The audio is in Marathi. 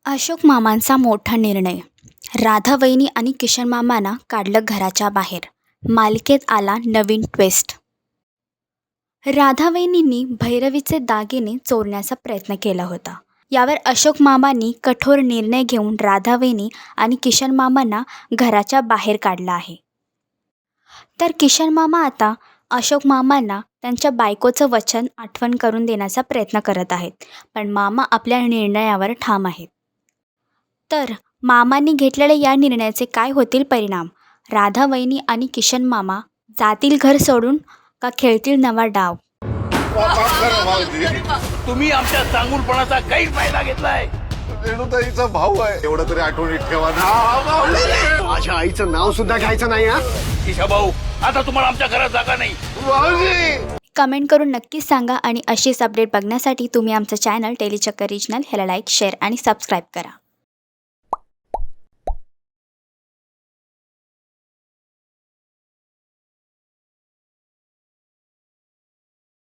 अशोक मामांचा मोठा निर्णय. राधा वहिनी आणि किशन मामांना काढलं घराच्या बाहेर. मालिकेत आला नवीन ट्विस्ट. राधा वहिनींनी भैरवीचे दागिने चोरण्याचा प्रयत्न केला होता. यावर अशोक मामांनी कठोर निर्णय घेऊन राधा वहिनी आणि किशन मामांना घराच्या बाहेर काढलं आहे. तर किशन मामा आता अशोक मामांना त्यांच्या बायकोचं वचन आठवण करून देण्याचा प्रयत्न करत आहेत. पण मामा आपल्या निर्णयावर ठाम आहेत. तर मामांनी घेतलेल्या या निर्णयाचे काय होतील परिणाम? राधा वहिनी आणि किशन मामा जातील घर सोडून का खेळतील नवा डाव? तुम्ही आमच्या चांगुलपणाचा काही फायदा घेतलाय. रेणुताईचा भाऊ आहे, एवढं तरी आठवणीत ठेवा ना. माझ्या आईचं नाव सुद्धा घ्यायचं नाही. किशा भाऊ, आता तुम्हाला आमच्या घरात जागा नाही. भाऊजी कमेंट करून नक्कीच सांगा आणि अशीच अपडेट बघण्यासाठी तुम्ही आमचं चॅनल टेलीचक्कर रिजनल ह्याला लाईक, शेअर आणि सबस्क्राईब करा.